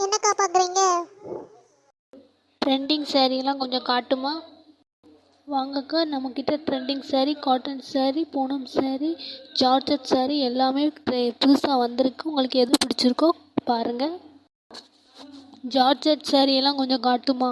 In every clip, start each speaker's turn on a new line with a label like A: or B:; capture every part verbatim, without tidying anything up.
A: என்னக்கா பார்க்குறீங்க?
B: ட்ரெண்டிங் சாரீலாம் கொஞ்சம் காட்டுமா? வாங்கக்கா, நம்மக்கிட்ட trending sari, cotton sari, Poonam sari, georgette sari எல்லாமே புதுசாக வந்திருக்கு. உங்களுக்கு எது பிடிச்சிருக்கோ பாருங்கள். ஜார்ஜட் சாரீ எல்லாம் கொஞ்சம் காட்டுமா?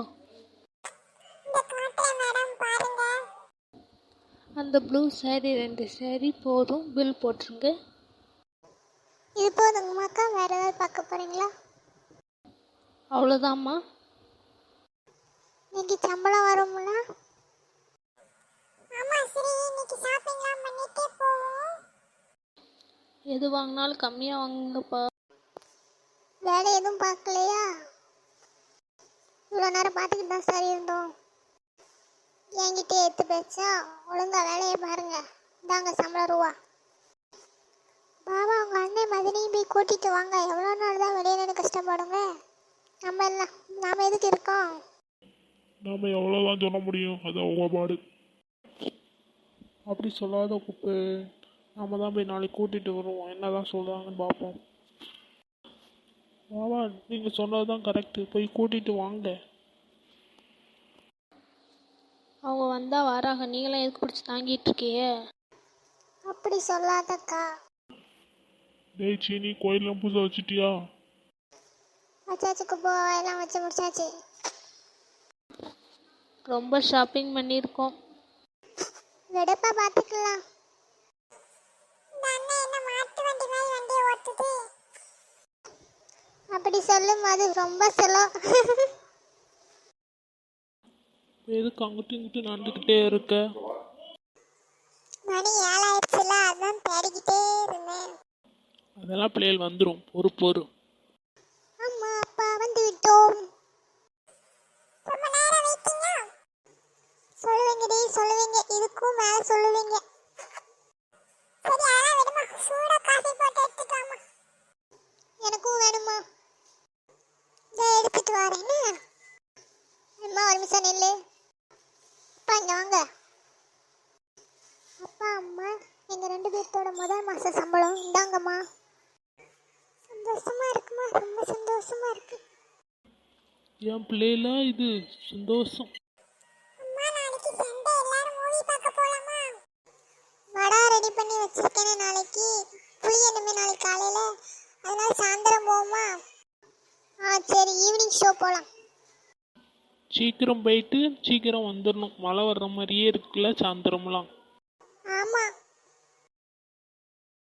B: அந்த ப்ளூ சாரீ ரெண்டு சாரீ போதும், பில் போட்டுருங்க.
A: இது போதுங்கம்மாக்கா, வேற ஏதாவது பார்க்க போறீங்களா?
B: அவ்வளோதாம்மா.
A: இன்னைக்கு சம்பளம் வரும்ல? ஆமா சரி, இன்னைக்கு ஷாப்பிங்லாம் பண்ணிட்டே போவோம்.
B: எது வாங்கினாலும் கம்மியாக வாங்குங்கப்பா.
A: வேலை எதுவும் பார்க்கலையா? இவ்வளோ நேரம் பார்த்துக்கிட்டு தான் சார் இருந்தோம். என்கிட்ட எடுத்து பேச்சா ஒழுங்கா வேலையை பாருங்க. இந்தாங்க சம்பளம் ரூபா. பாபா உங்கள் அண்ணன் மதினையும் போய் கூட்டிகிட்டு வாங்க. எவ்வளோ நாள் தான் வெளியே நின்று கஷ்டப்படுங்க. நம்ம இல்லை, நாம் எதுக்கு இருக்கோம்?
C: நாம் எவ்வளோதான் சொல்ல முடியும், அது அவங்க பாடு. அப்படி சொல்லாத குப்பு. நாம் தான் போய் நாளைக்கு கூட்டிகிட்டு வருவோம். என்ன தான் சொல்கிறாங்கன்னு பார்ப்போம். பாபா நீங்கள் சொன்னது தான் கரெக்டு, போய் கூட்டிகிட்டு வாங்க.
B: அவங்க வந்தால் வராங்க, நீங்களாம் எதுக்கு பிடிச்சி தாங்கிட்டு இருக்கியே?
A: அப்படி சொல்லாதக்கா.
C: டேய் சீனி, கோயிலெலாம் பூசை வச்சுட்டியா?
A: வச்சாச்சுக்கு போ, எல்லாம் வச்சு முடிச்சாச்சு.
B: ரொம்ப ஷாப்பிங் பண்ணியிருக்கோம்.
A: வெடப்பா பார்த்துக்கலாம். அப்படி சொல்லும் அது ரொம்ப செலவு.
C: எதுக்கு அங்கிட்டு இங்கிட்டு நடந்துக்கிட்டே இருக்க?
A: மணி ஏழாயிடுச்சுல, அதான் தேடிக்கிட்டே இருந்தேன்.
C: அதெல்லாம் பிள்ளைகள் வந்துடும், பொறு பொறு.
A: அம்மா அப்பா வந்து விட்டோம். சொல்லுவீங்கடி சொல்லுவீங்க, இதுக்கும் மேல சொல்லுவீங்க. சரி அதான் விடுமா, சூடா காஃபி போட்டு எடுத்துக்கலாமா? எனக்கும் வேணுமா? இதை எடுத்துட்டு வரேன்னு. அம்மா ஒரு நிமிஷம் நில்லு. அப்பா இங்க வாங்க. அப்பா அம்மா, எங்க ரெண்டு பேர்த்தோட முதல் மாச சம்பளம் இந்தாங்கம்மா. சந்தோஷமா இருக்குமா? ரொம்ப சந்தோஷமா இருக்கு.
C: என் பிள்ளைல இது சந்தோஷம்.
A: அம்மா நாளைக்கு சண்டே, எல்லாரும் மூவி பார்க்க போலாமா? வடா ரெடி பண்ணி வச்சிருக்கேனே நாளைக்கு. புளி என்னமே நாளைக்கு காலையில, அதனால சாயந்தரம் போவோமா? ஆ சரி, ஈவினிங் ஷோ போலாம்.
C: சீக்கிரம் போயிட்டு சீக்கிரம் வந்துடணும். மழை வர்ற மாதிரியே இருக்குல்ல சாயந்தரம்லாம்.